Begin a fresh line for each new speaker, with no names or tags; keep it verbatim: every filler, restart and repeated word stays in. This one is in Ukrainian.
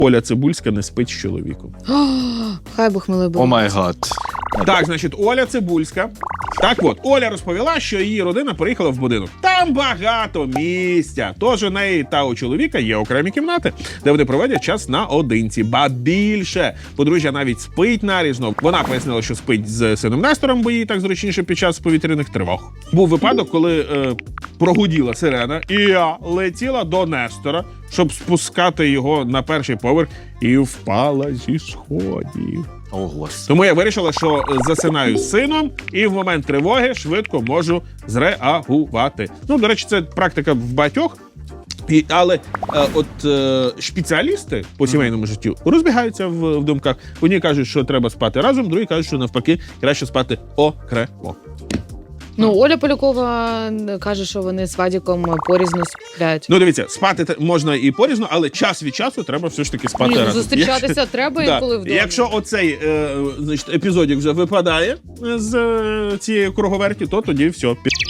Оля Цибульська не спить з чоловіком.
Хай Бог милий буде.
О май гад.
Так, значить, Оля Цибульська. Так от, Оля розповіла, що її родина приїхала в будинок. Там багато місця. Тож у неї та у чоловіка є окремі кімнати, де вони проводять час наодинці. Ба більше. Подружжя навіть спить нарізно. Вона пояснила, що спить з сином Нестором, бо їй так зручніше під час повітряних тривог. Був випадок, коли е, прогуділа сирена, і я летіла до Нестора, щоб спускати його на перший поверх, і впала зі сходів.
О, Господи.
Тому я вирішила, що засинаю з сином і в момент тривоги швидко можу зреагувати. Ну, до речі, це практика в багатьох. І, але е, от е, спеціалісти по сімейному життю розбігаються в, в думках. Одні кажуть, що треба спати разом, другі кажуть, що навпаки краще спати окремо.
Ну, Оля Полякова каже, що вони з Вадіком порізно сплять.
Ну, дивіться, спати те- можна і порізно, але час від часу треба все ж таки спати
Ні, ну,
разом.
зустрічатися треба
Да.
інколи вдома.
Якщо оцей е, значить, епізодик вже випадає з е, цієї круговерті, то тоді все, пі***.